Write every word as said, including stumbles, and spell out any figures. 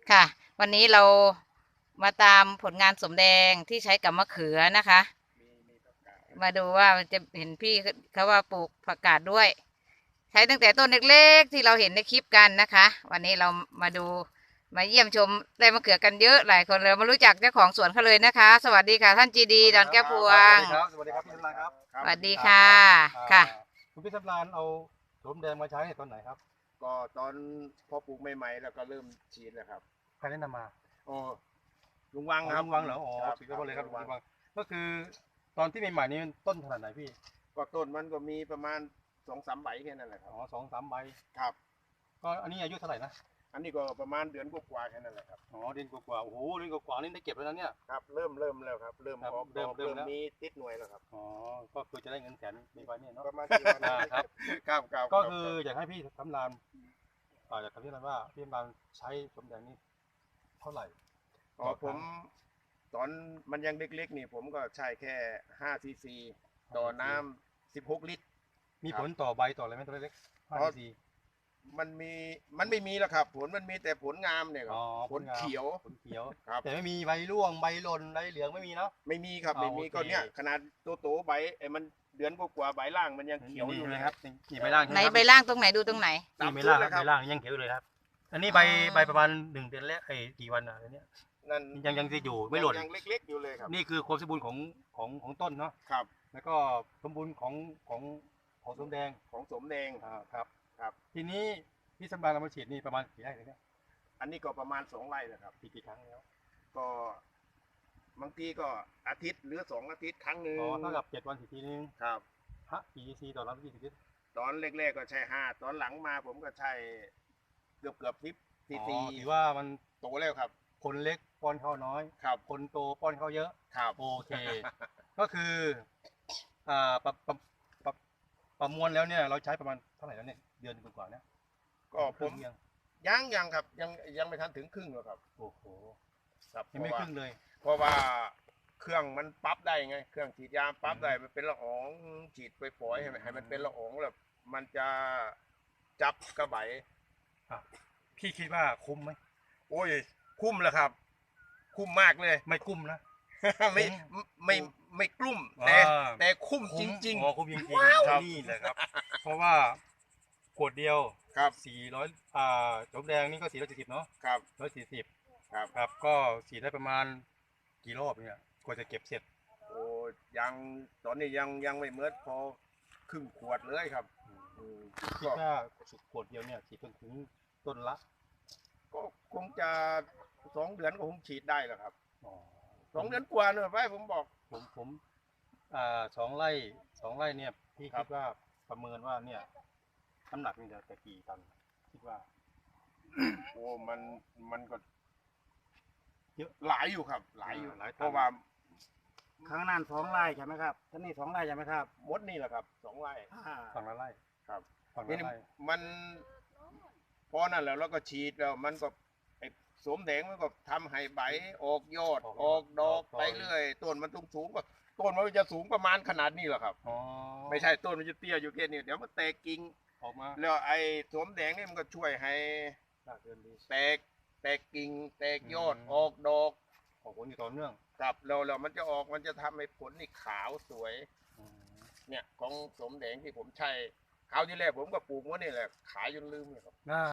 ค่ะวันนี้เรามาตามผลงานสมแดงที่ใช้กับมะเขือนะคะมีมีผักกาดมาดูว่าจะเห็นพี่เขาว่าปลูกผักกาดด้วย ใช้ตั้งแต่ต้นเล็กๆที่เราเห็นในคลิปกันนะคะ วันนี้เรามาดูมาเยี่ยมชมได้มะเขือกันเยอะหลายคนเลยมารู้จักเจ้าของสวนเขาเลยนะคะ สวัสดีค่ะท่านจีดีดอนแก้วพวงสวัสดีครับสวัสดีครับพี่สำรานครับสวัสดีค่ะค่ะคุณพี่สำรานเอาโสมแดงมาใช้ตอนไหนครับก็ตอนพอปลูกใหม่ๆแล้วก็เริ่มฉีดแล้วครับใครแนะนำมาโอ้ลุงวังครับลุงวังเหรออ๋อสุดยอดเลยครับลุงวังก็คือตอนที่ใหม่ๆนี้ต้นขนาดไหนพี่ก็ต้นมันก็มีประมาณสองสามใบแค่นั้นแหละครับอ๋อสองสามใบครับก็อันนี้อายุเท่าไหร่นะอันนี้ก็ประมาณเดือนกว่าๆแค่นั้นแหละครับอ๋อเดือนกว่าๆโอ้โหเดือนกว่าๆนี่ได้เก็บแล้วนะเนี่ยครับเริ่มเริ่มแล้วครับเริ่มออกเริ่มเริ่มมีติดหน่วยแล้วครับอ๋อก็คือจะได้เงินแสนในวันนี้เนาะประมาณกี่วันครับครับครับก็คืออยากให้พี่สำรานอ่าอยากถามพี่สำรานว่าพี่สำรานใช้โสมแดงนี่เท่าไหร่อ๋อผมตอนมันยังเล็กๆนี่ผมก็ใช้แค่ห้าซีซีต่อน้ำสิบหกลิตรมีผลต่อใบต่ออะไรไหมตัวเล็กห้าซีซีมันมีมันไม่มีแล้วครับผลมันมีแต่ผลงามเนี่ยครับผลเขียวผลเขียวครับแต่ไม่มีใบร่วงใบหล่นใบเหลืองไม่มีเนาะไม่มีครับไม่มีก็เนี่ยขนาดโตๆใบไอ้มันเดือนกว่าใบล่างมันยังเขียวอยู่เลยครับนี่ใบล่างไหนใบล่างตรงไหนดูตรงไหนนี่ใบล่างใบล่างยังเขียวเลยครับอันนี้ใบใบประมาณหนึ่งเดือนแล้วไอ้กี่วันอ่ะอันนี้นั่นยังยังจะอยู่ไม่หล่นยังเล็กๆอยู่เลยครับนี่คือความสมบูรณ์ของของของต้นเนาะครับแล้วก็สมบูรณ์ของของของสมแดงของสมแดงอ่าครับครับทีนี้พี่สำราญเรามาฉีดนี่ประมาณกี่ไร่เลยเนี่ยอันนี้ก็ประมาณสองไร่นะครับกี่กี่ครั้งแล้วก็บางทีก็อาทิตย์หรือสองอาทิตย์ครั้งหนึ่งอ๋อเท่ากับเจ็ดวันสี่ทีนึงครับฮะกี่ซีต่อน้ำกี่ซีตอนแรกๆก็ใช้ห้าตอนหลังมาผมก็ใช้เกือบเกือบสิบซีซีถือว่ามันโตแล้วครับคนเล็กป้อนข้าวน้อยครับคนโตป้อนข้าวเยอะครับโอเคก็คืออ่าประประประประมวลแล้วเนี่ยเราใช้ประมาณเท่าไหร่แล้วเนี่ยเดือนกว่าๆเนี่ยก็ผมยังยังครับยังยังไม่ทันถึงครึ่งหรอกครับโอ้โหครับยังไม่ครึ่งเลยเพราะว่าเครื่องมันปรับได้ไงเครื่องฉีดยาปรับได้มันเป็นละอองฉีดไปปล่อยให้ให้มันเป็นละอองแล้วมันจะจับกระบายพี่คิดว่าคุ้มไหมโอ้ยคุ้มแล้วครับคุ้มมากเลยไม่คุ้มนะไม่ไม่ไม่กลุ้มแต่แต่คุ้มจริงๆอ๋อคุ้มจริงๆนี่แหละครับเพราะว่าขวดเดียวครับสี่ร้อยอ่าโสมแดงนี่ก็สี่ร้อยสี่สิบเนาะครับร้อยสี่สิบครับครับก็ฉีดได้ประมาณกี่รอบเนี่ยกว่าจะเก็บเสร็จโอ้ยังตอนนี้ยังยังไม่เมื่อพอครึ่งขวดเลยครับคิดว่าขวดเดียวเนี่ยฉีดจนถึงต้นละก็คงจะสองเดือนก็คงฉีดได้แล้วครับสองเดือนกว่าเนอะไปผมบอกผมผมอ่าสองไร่สองไร่เนี่ยพี่คิดว่าประเมินว่าเนี่ยน้ำหนักนี่จะกี่ตันคิดว่าโอ้มันมันก็เยอะหลายอยู่ครับหลายอยู่เพราะว่าข้างนั้นสองไร่ใช่ไหมครับท่านนี่สองไร่ใช่ไหมครับมดนี่แหละครับสองไร่ฝั่งละไร่ครับฝั่งละไร่มันพอนั่นแล้วเราก็ฉีดแล้วมันก็ไอ้สมแดงมันก็ทำให้ใบออกยอดออกดอกไปเรื่อยต้นมันสูงสูงก็ต้นมันจะสูงประมาณขนาดนี้แหละครับไม่ใช่ต้นมันจะเตี้ยอยู่แค่นี้เดี๋ยวมันแตกกิ่งออกมาแล้วไอ้สมแดงนี่มันก็ช่วยให้แตกแตกกิ่งแตกยอดออกดอกออกผลอยู่ต่อเนื่องครับแล้วแล้วมันจะออกมันจะทำให้ผลนี่ขาวสวยเนี่ยของสมแดงที่ผมใช้คราวที่แรกผมก็ปลูกว่านี่แหละขายจนลืมเลยครับ